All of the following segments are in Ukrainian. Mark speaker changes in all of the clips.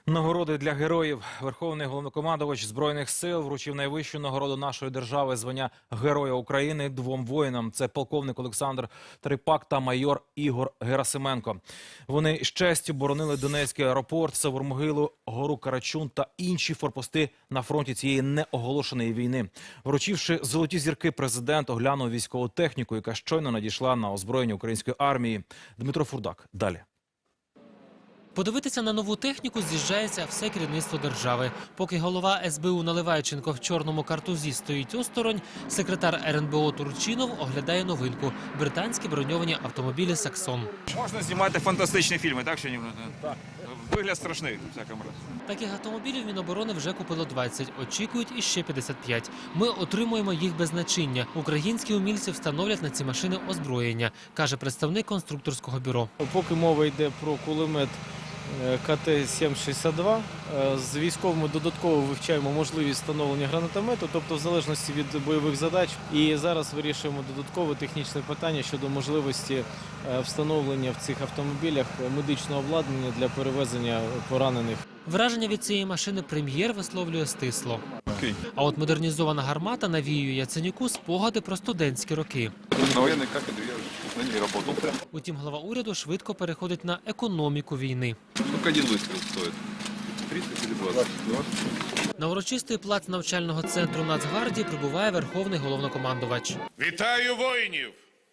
Speaker 1: Нагороди для героїв. Верховний головнокомандувач Збройних сил вручив найвищу нагороду нашої держави – звання Героя України двом воїнам. Це полковник Олександр Трипак та майор Ігор Герасименко. Вони з честю боронили Донецький аеропорт, Савур-Могилу, гору Карачун та інші форпости на фронті цієї неоголошеної війни. Вручивши золоті зірки, президент оглянув військову техніку, яка щойно надійшла на озброєння української армії. Дмитро Фурдак. Далі.
Speaker 2: Подивитися на нову техніку з'їжджається все керівництво держави. Поки голова СБУ Наливайченко в чорному картузі стоїть осторонь, секретар РНБО Турчинов оглядає новинку – британські броньовані автомобілі «Саксон».
Speaker 3: Можна знімати фантастичні фільми, так? Так. Вигляд страшний, в всякому разі.
Speaker 2: Таких автомобілів Міноборони вже купило 20, очікують іще 55. Ми отримуємо їх без начиння. Українські умільці встановлять на ці машини озброєння, каже представник конструкторського бюро.
Speaker 4: Поки мова йде про кулемет КТ-762, з військовими додатково вивчаємо можливість встановлення гранатомету, тобто в залежності від бойових задач. І зараз вирішуємо додаткове технічне питання щодо можливості встановлення в цих автомобілях медичного обладнання для перевезення поранених.
Speaker 2: Враження від цієї машини прем'єр висловлює стисло. А от модернізована гармата навіює Яценюку спогади про студентські роки.
Speaker 5: На воєнній кафедрі я на ній працював.
Speaker 2: Утім, глава уряду швидко переходить на економіку війни.
Speaker 5: Скільки один вистріл стоїть? 30 чи 20?
Speaker 2: На урочистий плац навчального центру Нацгвардії прибуває Верховний головнокомандувач.
Speaker 6: Вітаю воїнів!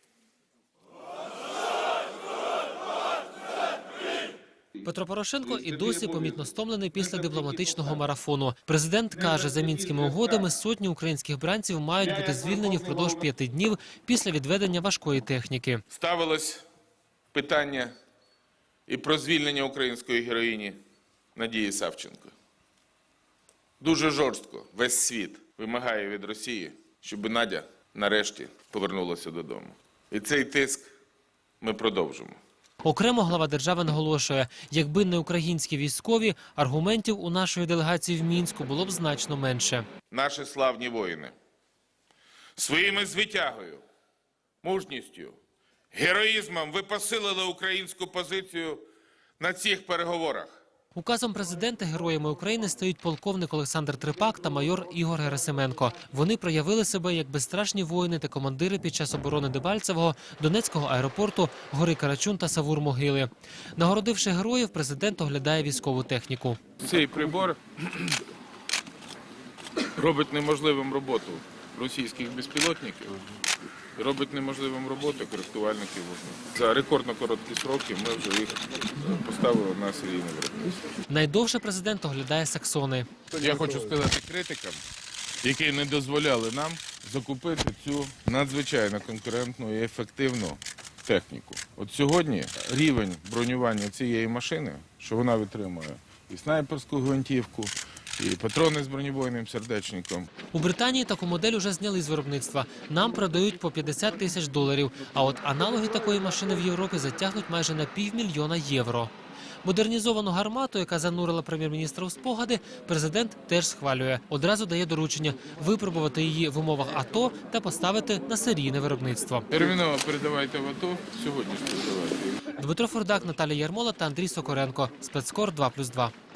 Speaker 2: Петро Порошенко і досі помітно стомлений після дипломатичного марафону. Президент каже, за мінськими угодами сотні українських бранців мають бути звільнені впродовж 5 днів після відведення важкої техніки.
Speaker 6: Ставилось питання і про звільнення української героїні Надії Савченко. Дуже жорстко весь світ вимагає від Росії, щоб Надя нарешті повернулася додому. І цей тиск ми продовжимо.
Speaker 2: Окремо глава держави наголошує, якби не українські військові, аргументів у нашої делегації в Мінську було б значно менше.
Speaker 6: Наші славні воїни своїми звитягою, мужністю, героїзмом ви посилили українську позицію на цих переговорах.
Speaker 2: Указом президента героями України стають полковник Олександр Трипак та майор Ігор Герасименко. Вони проявили себе як безстрашні воїни та командири під час оборони Дебальцевого, Донецького аеропорту, гори Карачун та Савур-Могили. Нагородивши героїв, президент оглядає військову техніку.
Speaker 6: Цей прибор робить неможливим роботу російських безпілотників, робить неможливим роботу коректувальників вогню. За рекордно короткі сроки ми вже їх поставили на серійне виробництво.
Speaker 2: Найдовше президент оглядає «Саксони».
Speaker 6: Я хочу сказати критикам, які не дозволяли нам закупити цю надзвичайно конкурентну і ефективну техніку. От сьогодні рівень бронювання цієї машини, що вона витримує і снайперську гвинтівку, і патрони з бронебойним сердечником.
Speaker 2: У Британії таку модель уже зняли з виробництва. Нам продають по $50 тисяч. А от аналоги такої машини в Європі затягнуть майже на $500 000 євро. Модернізовану гармату, яка занурила прем'єр-міністра у спогади, президент теж схвалює. Одразу дає доручення випробувати її в умовах АТО та поставити на серійне виробництво.
Speaker 6: Терміново передавайте в АТО, сьогодні ж передавайте.
Speaker 2: Дмитро Фурдак, Наталія Ярмола та Андрій Сокоренко. Спецкор 2+2.